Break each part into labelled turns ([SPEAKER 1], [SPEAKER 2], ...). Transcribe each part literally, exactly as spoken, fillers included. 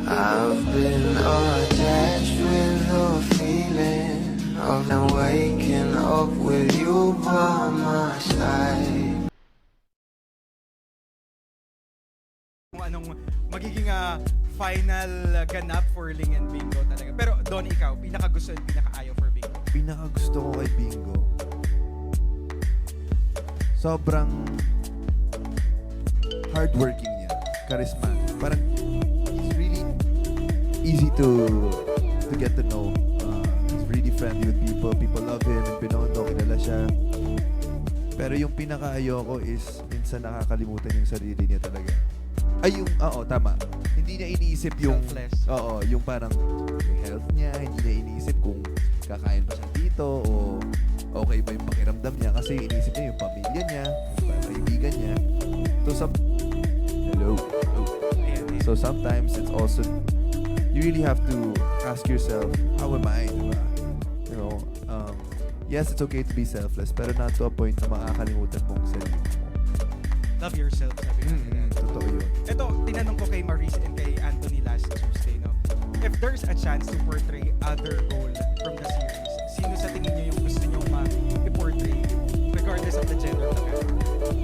[SPEAKER 1] I've been attached with the feeling of now waking up with you by my side.
[SPEAKER 2] Kung anong magiging uh, final uh, ganap for Ling and Bingo talaga. Pero Don, ikaw, pinakagusto at pinakaayaw for Bingo?
[SPEAKER 3] Pinakagusto ko kay Bingo, sobrang hardworking niya, charisma. Parang he's really easy to to get to know. Uh, he's really friendly with people. People love him. In Binondo, kilala siya. Pero yung pinaka-ayoko is minsan nakakalimutan yung sarili niya talaga. Ay, yung, oo, tama. Hindi niya iniisip yung,
[SPEAKER 2] Selfless.
[SPEAKER 3] oo, yung parang yung health niya. Hindi niya iniisip kung kakain pa siya dito o okay ba yung pakiramdam niya. Kasi iniisip niya yung pamilya niya, yung kaibigan niya. So, some, hello. hello.
[SPEAKER 2] Ayan, ayan.
[SPEAKER 3] So, sometimes it's also, you really have to ask yourself, how am I, diba? You know, um, yes, it's okay to be selfless, pero not to a point na makakalimutan mong sarili mo.
[SPEAKER 2] Love yourself, sabi nga nila.
[SPEAKER 3] Mm, totoo yun.
[SPEAKER 2] Ito, tinanong ko kay Maurice and kay Anthony last Tuesday, no? If there's a chance to portray other role from the series, sino sa tingin niyo yung gusto niyo ma-portray regardless of the gender of the character?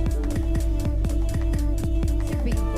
[SPEAKER 4] Si Bingo.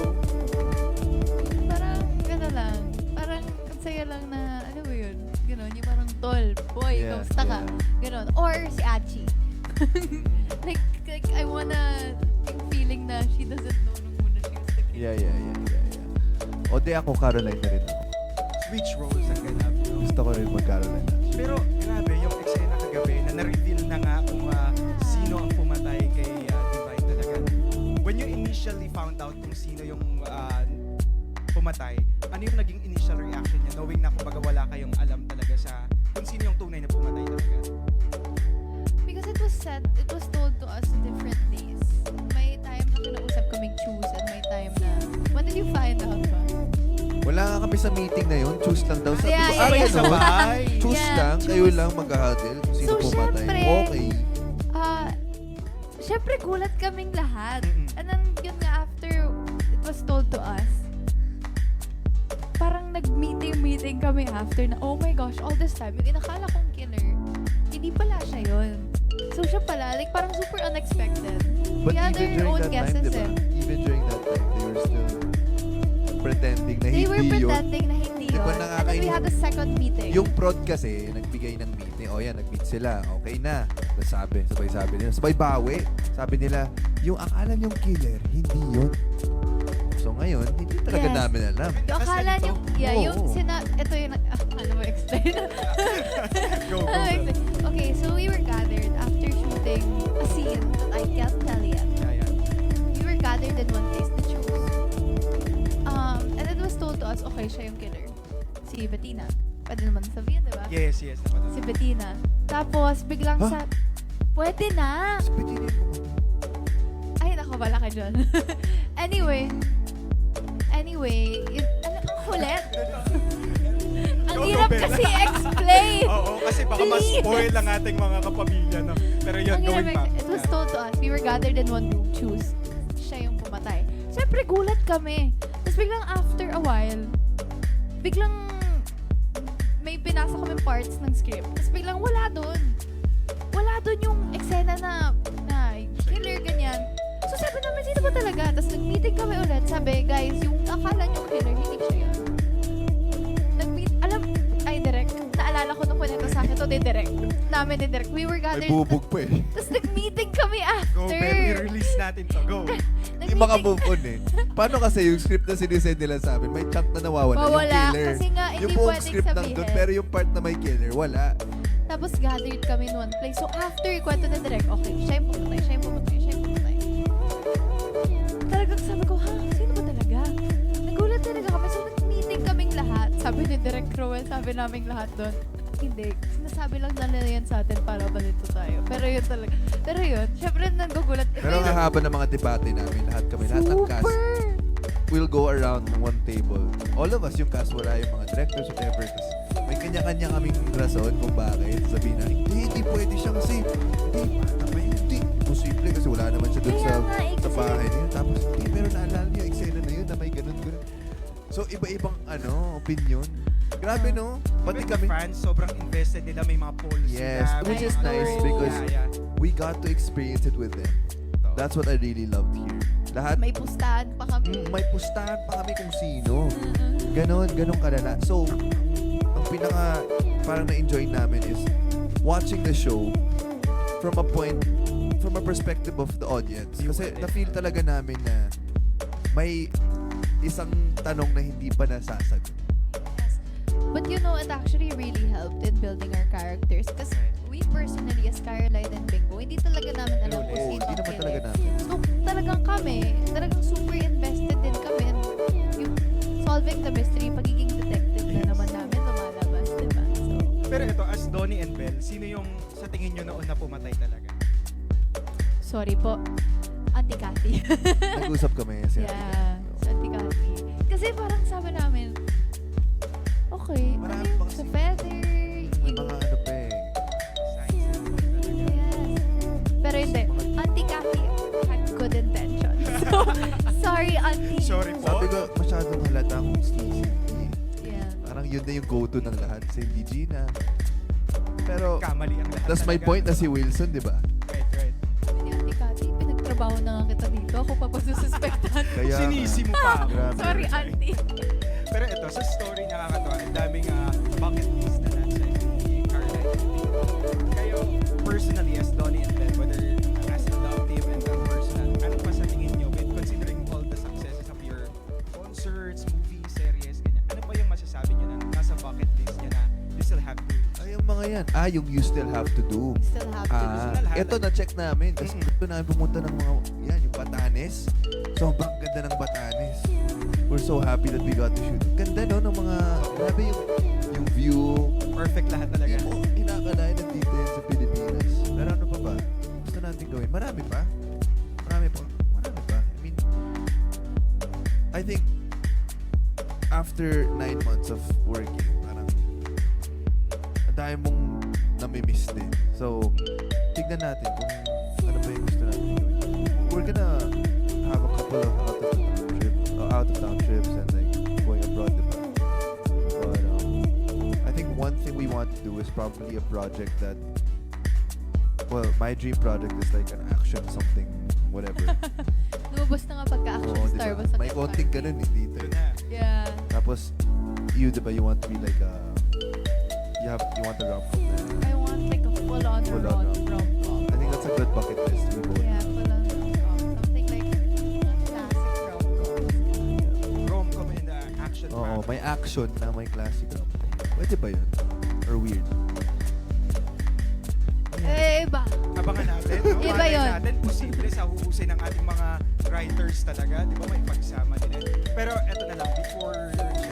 [SPEAKER 4] Parang, ano lang, parang ang saya lang na, ano ba yun? Ganon, yung parang tol, boy,
[SPEAKER 3] Yeah,
[SPEAKER 4] kamusta ka?
[SPEAKER 3] yeah.
[SPEAKER 4] Ganon. Or si Achi. like, like, I wanna, yung feeling na she doesn't know nung muna she was the kid.
[SPEAKER 3] Yeah, yeah, yeah, yeah, yeah. O di ako, Caroline na rin ako.
[SPEAKER 2] Which roles ang ganap? No?
[SPEAKER 3] Gusto ko rin mag-Caroline.
[SPEAKER 2] Pero grabe, yung eksena kagabi na na-reveal na nga kung uh, sino ang pumatay kay uh, Divine talaga. When you initially found out kung sino yung uh, pumatay, ano yung naging initial reaction niya knowing na kumbaga wala kayong alam talaga sa kung sino yung tunay na pumatay talaga?
[SPEAKER 4] Because it was said, it was told to us different days. May time na kinausap kaming choose and may time na, when did you find out ba?
[SPEAKER 3] Wala nga kami sa meeting na yun. Choose lang daw. Sabi
[SPEAKER 4] Yeah,
[SPEAKER 3] ko,
[SPEAKER 4] yeah,
[SPEAKER 3] "Aray,
[SPEAKER 4] yeah.
[SPEAKER 3] ano?
[SPEAKER 2] Sabay!
[SPEAKER 3] Choose
[SPEAKER 4] Yeah,
[SPEAKER 3] lang.
[SPEAKER 4] choose.
[SPEAKER 3] Kayo lang mag-huddle kung sino
[SPEAKER 4] So,
[SPEAKER 3] pumatay.
[SPEAKER 4] syempre,
[SPEAKER 3] Okay.
[SPEAKER 4] Ah, syempre gulat kaming lahat.
[SPEAKER 2] Mm-mm.
[SPEAKER 4] And then yun nga after it was told to us, parang nag-meeting-meeting kami after na, oh my gosh, all this time, yung inakala kong killer, hindi pala siya yun. So siya pala, like parang super unexpected.
[SPEAKER 3] But
[SPEAKER 4] We had
[SPEAKER 3] even
[SPEAKER 4] our
[SPEAKER 3] during
[SPEAKER 4] own
[SPEAKER 3] that time,
[SPEAKER 4] guesses
[SPEAKER 3] diba?
[SPEAKER 4] eh.
[SPEAKER 3] Even during that time, they were still pretending na
[SPEAKER 4] They were
[SPEAKER 3] hindi yun.
[SPEAKER 4] pretending na hindi
[SPEAKER 3] Diba
[SPEAKER 4] yun. And then we
[SPEAKER 3] nakakainis?
[SPEAKER 4] had a second meeting.
[SPEAKER 3] Yung prod kasi, nagbigay ng meeting. O yan, nag-meet sila. Okay na. Tapos sabi, sabay sabi nila. Sabay bawi. Sabi nila, yung akala niyong killer, hindi yun. So ngayon, hindi talaga
[SPEAKER 4] Yes.
[SPEAKER 3] namin alam.
[SPEAKER 4] Yung akala
[SPEAKER 2] Kasi
[SPEAKER 4] niyo,
[SPEAKER 2] ganito.
[SPEAKER 4] yeah,
[SPEAKER 3] Oo.
[SPEAKER 4] yung sina, ito yung, ah, ano mo explain?
[SPEAKER 2] Go, go,
[SPEAKER 4] Ano mo
[SPEAKER 2] go.
[SPEAKER 4] explain? Okay, so we were gathered after shooting a scene that I can't tell yet.
[SPEAKER 2] Yeah, yeah.
[SPEAKER 4] We were gathered in one place to choose. Um, and it was told to us, okay, siya yung killer. Si Bettina. Pwede naman sabihin, di ba?
[SPEAKER 2] Yes, yes. Naman.
[SPEAKER 4] Si Bettina. Tapos, biglang
[SPEAKER 3] Huh?
[SPEAKER 4] sa... Pwede na!
[SPEAKER 3] Sabi nila yung
[SPEAKER 4] Ay, nako, wala ka dyan. Anyway. Anyway, yun, ano, ang kulit. Ang
[SPEAKER 2] Go, go,
[SPEAKER 4] hirap
[SPEAKER 2] Bella.
[SPEAKER 4] kasi explain.
[SPEAKER 2] Oo, kasi baka
[SPEAKER 4] Please.
[SPEAKER 2] ma-spoil ang ating mga kapamilya, no? Pero yun,
[SPEAKER 4] Ang
[SPEAKER 2] going
[SPEAKER 4] hirap,
[SPEAKER 2] back.
[SPEAKER 4] it was told to us, we were gathered in one room, choose. Siya yung pumatay. Siyempre, gulat kami. Tapos biglang after a while, biglang may binasa kami parts ng script. Tapos biglang wala doon. Wala doon yung eksena na, na killer, ganyan. So sabi namin, sino ba talaga? Tapos nag-meeting kami ulit. Sabi, guys, yung akala nyo killer, hindi siya yun. Nag-meet, alam, ay, direct. Naalala ko nung kunento sa akin, to di direct. Namin di direct. We were
[SPEAKER 3] may
[SPEAKER 4] gathered.
[SPEAKER 3] bubog pa eh.
[SPEAKER 4] Tapos nag-meeting kami
[SPEAKER 2] Go,
[SPEAKER 4] after.
[SPEAKER 2] Bell, i-release natin to. Go.
[SPEAKER 3] Hindi
[SPEAKER 4] Nag-meeting-
[SPEAKER 3] maka-move on eh. Paano kasi yung script na sinisend nila sa amin, may chunk na nawawala.
[SPEAKER 4] Mawala,
[SPEAKER 3] yung killer.
[SPEAKER 4] kasi nga, hindi
[SPEAKER 3] yung buong
[SPEAKER 4] pwedeng
[SPEAKER 3] script
[SPEAKER 4] sabihin.
[SPEAKER 3] nandun, pero yung part na may killer, wala.
[SPEAKER 4] Tapos gathered kami in one place. So after kwento na direct, okay, siya yung pumatay, siya yung pumatay, siya yung pumatay. Talagang sabi ko, ha? Sino ba talaga? Nagulat talaga kami. So nag-meeting kaming lahat. Sabi ni Direk Rowell, sabi naming lahat doon. Hindi. Sinasabi lang nila yan sa atin para balito tayo. Pero yun talaga. Pero yun, syempre nagugulat.
[SPEAKER 3] Pero ang haba ng mga debate namin, lahat kami, lahat ng cast,
[SPEAKER 4] Super!
[SPEAKER 3] we'll go around one table. All of us, yung cast, wala yung mga directors, whatever. Tapos may kanya-kanya kaming rason kung bakit. Sabihin na, hindi, hindi pwede siya kasi, hindi, tama yun, hindi. Posible kasi wala naman siya dun
[SPEAKER 4] Kaya
[SPEAKER 3] sa,
[SPEAKER 4] nga, eh,
[SPEAKER 3] sa
[SPEAKER 4] kasi-
[SPEAKER 3] bahay niya. Tapos, hindi, pero naalala niyo yung eksena na yun na may ganun, ganun. So, iba-ibang ano, opinion. Grabe, no? Pati
[SPEAKER 2] Even the
[SPEAKER 3] kami,
[SPEAKER 2] fans, sobrang invested nila. May mga polls
[SPEAKER 3] Yes,
[SPEAKER 2] sila.
[SPEAKER 3] which
[SPEAKER 2] may
[SPEAKER 3] is
[SPEAKER 2] mga
[SPEAKER 3] nice
[SPEAKER 2] rating.
[SPEAKER 3] because
[SPEAKER 2] Yeah, yeah.
[SPEAKER 3] we got to experience it with them.
[SPEAKER 2] Ito.
[SPEAKER 3] That's what I really loved here. Lahat,
[SPEAKER 4] May pustahan pa kami.
[SPEAKER 3] mm, may pustahan pa kami kung sino.
[SPEAKER 4] Mm-mm.
[SPEAKER 3] Ganon, ganon kalala. So, ang pinaka parang na-enjoy namin is watching the show from a point, from a perspective of the audience. Kasi na-feel talaga namin na may isang tanong na hindi pa nasasagot.
[SPEAKER 4] Yes. But you know, it actually really helped in building our characters. Because we personally, as Caroline and Bingo, hindi talaga namin alam kung
[SPEAKER 3] Oo,
[SPEAKER 4] sino
[SPEAKER 3] hindi
[SPEAKER 4] ang
[SPEAKER 3] naman
[SPEAKER 4] killer.
[SPEAKER 3] talaga namin.
[SPEAKER 4] So, talagang kami, talagang super invested din kami. And yung solving the mystery, pagiging detective na naman namin lumalabas, diba? So,
[SPEAKER 2] Pero ito, as Donnie and Belle, sino yung sa tingin nyo noon na pumatay talaga?
[SPEAKER 4] sorry po. Auntie Cathy.
[SPEAKER 3] Nag-usap kami. Si Ate
[SPEAKER 4] yeah,
[SPEAKER 3] Kat.
[SPEAKER 4] Auntie Cathy. Kasi parang sabi namin, okay,
[SPEAKER 3] Marami
[SPEAKER 4] ano yung
[SPEAKER 3] pang
[SPEAKER 4] sa
[SPEAKER 3] si-
[SPEAKER 4] feather,
[SPEAKER 3] May
[SPEAKER 4] yung-
[SPEAKER 3] mga ano pa eh.
[SPEAKER 2] Science and all talaga.
[SPEAKER 4] yes. Pero hindi, Auntie Cathy had good intentions. So, sorry, Auntie.
[SPEAKER 2] Sorry po.
[SPEAKER 3] Sabi ko, masyadong halata kung sleazy.
[SPEAKER 4] Yeah.
[SPEAKER 3] Parang yun na yung go-to ng lahat. Si Hindi Gina. Pero,
[SPEAKER 2] Kamali ang lahat
[SPEAKER 3] that's my
[SPEAKER 2] talaga.
[SPEAKER 3] point na si Wilson, di ba?
[SPEAKER 2] Right, right.
[SPEAKER 4] Ni Auntie Cathy, pinagtrabaho na nga kita dito. Ako pa pagsususpektan.
[SPEAKER 3] Kaya nga.
[SPEAKER 2] Sinisi mo pa ako.
[SPEAKER 3] Grabe.
[SPEAKER 4] Sorry, Auntie.
[SPEAKER 2] Pero ito, sa story nakakatawa, ang daming ah, bucket list na nasa ni Caroline and Bingo. Kayo, personally, as Donnie and Belle, whether as a love team and a personal, ano pa sa tingin nyo with considering all the successes of your concerts, movies, series, ganyan, ano pa yung masasabi nyo na nasa bucket list nyo na you still have to
[SPEAKER 3] Ay, yung mga yan. Ah, yung you still have to do.
[SPEAKER 4] Still have to do.
[SPEAKER 3] Ah,
[SPEAKER 2] Personal
[SPEAKER 3] ito na-check namin. Kasi
[SPEAKER 2] Mm-mm.
[SPEAKER 3] gusto namin pumunta ng mga, yan, yung Batanes. Sobrang ganda ng Batanes. We're so happy that we got to shoot. Ganda, no, ng mga, grabe yung, yung view.
[SPEAKER 2] perfect lahat talaga.
[SPEAKER 3] Hindi mo inakalain na dito yan sa Pilipinas. Pero ano pa ba? Gusto natin gawin. Marami pa. Marami pa. Marami pa. I mean, I think, after nine months of working, parang, ang dami mong namimiss din. So, tignan natin kung ano pa yung gusto natin gawin. We're gonna have a couple of out of town trips, uh, out of town trips and like going abroad, diba? But um, I think one thing we want to do is probably a project that, well, my dream project is like an action something, whatever.
[SPEAKER 4] Lumabas na nga pagka-action
[SPEAKER 3] Oo,
[SPEAKER 4] star.
[SPEAKER 3] diba?
[SPEAKER 4] Basta
[SPEAKER 3] May konting ganun eh dito.
[SPEAKER 2] Yun
[SPEAKER 3] eh.
[SPEAKER 2] na.
[SPEAKER 4] Yeah.
[SPEAKER 3] Tapos, you, diba, you want to be like a, you have, you want a rom-com na.
[SPEAKER 4] I want like a full-on
[SPEAKER 3] Full-on
[SPEAKER 4] rom-
[SPEAKER 3] rom-
[SPEAKER 4] rom-com.
[SPEAKER 3] I think that's a good bucket list. We both.
[SPEAKER 4] Yeah, full-on rom-com. Something like classic rom-com.
[SPEAKER 2] Rom-com and uh, action
[SPEAKER 3] Oo,
[SPEAKER 2] rom.
[SPEAKER 3] may action na may classic rom-com. Pwede ba yun? Or weird?
[SPEAKER 4] Eh, iba.
[SPEAKER 2] Abangan natin. no?
[SPEAKER 4] Iba
[SPEAKER 2] Malay
[SPEAKER 4] yun.
[SPEAKER 2] natin, posible sa huhusay ng ating mga writers talaga. Di ba may pagsama nila. Pero eto na lang, before